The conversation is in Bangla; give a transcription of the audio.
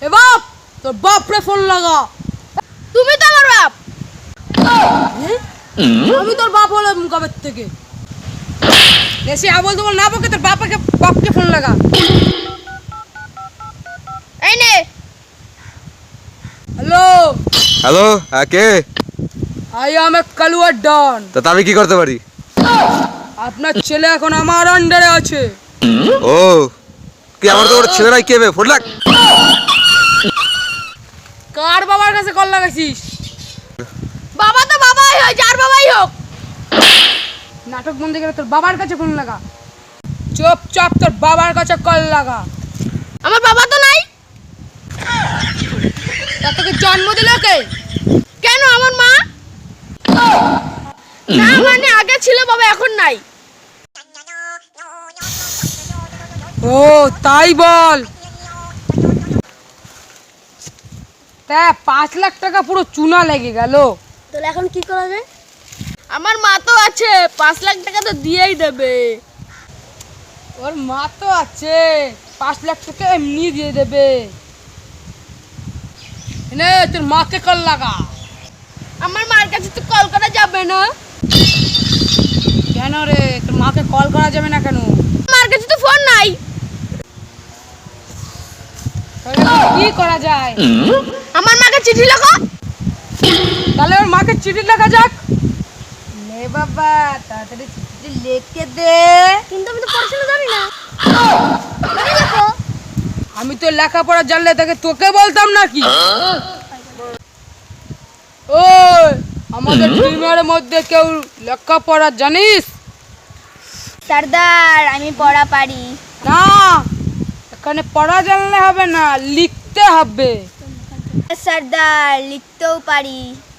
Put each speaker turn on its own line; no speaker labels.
এ বাপ, তোর বাপরে ফোন লাগা।
তুমি তো আমার বাপ।
আমি তোর বাপ হলাম কবে থেকে? এসে আবল তোমার না বকে তোর বাপকে ফোন লাগা।
এই নে।
হ্যালো
হ্যালো, কে?
আই এম এ কালুয়ার ডন।
তা আমি কি করতে পারি?
আপনার ছেলে এখন আমার আন্ডারে আছে।
ও, কি আমার তো ওর ছেলেরাই কে বে? ফোন লাগ।
কার বাবার কাছে কল লাগাইছিস?
বাবা তো বাবাই হয়, যার বাবাই হোক।
নাটক বন্ধ করে তোর বাবার কাছে ফোন লাগা। চুপচাপ তোর বাবার কাছে কল লাগা।
আমার বাবা তো নাই।
তা তোকে জন্ম দিল কে?
কেন আমার মা? না মানে আগে ছিল বাবা, এখন নাই।
ও তাই বল। তা 5 লাখ টাকা পুরো চুনা লেগে গেল।
তাহলে এখন কি করা যায়? আমার মা তো আছে, 5 লাখ টাকা তো দিয়েই দেবে।
ওর মা তো আছে, 5 লাখ টাকা এমনি দিয়ে দেবে। নে তোর মাকে কল লাগা।
আমার মার কাছে তো কল করা যাবে না।
কেন রে, তোর মাকে কল করা যাবে না কেন?
মার কাছে তো ফোন নাই।
তাহলে এখন কি করা যায়?
আমার মাকে চিঠি লেখো।
তাহলে ওর মাকে চিঠি লেখা যাক। নে বাবা, তাড়াতাড়ি চিঠি লিখে দে।
কিন্তু আমি তো পড়াশোনা জানি না। তুমি লেখো।
আমি তো লেখাপড়া জানলে তাকে তোকে বলতাম নাকি? ওই আমাদের টিমের মধ্যে কেউ লেখাপড়া জানিস?
সর্দার, আমি পড়া পারি।
না, এখানে পড়া জানলে হবে না, লিখতে হবে।
সর্দার, লিখতেও পারি।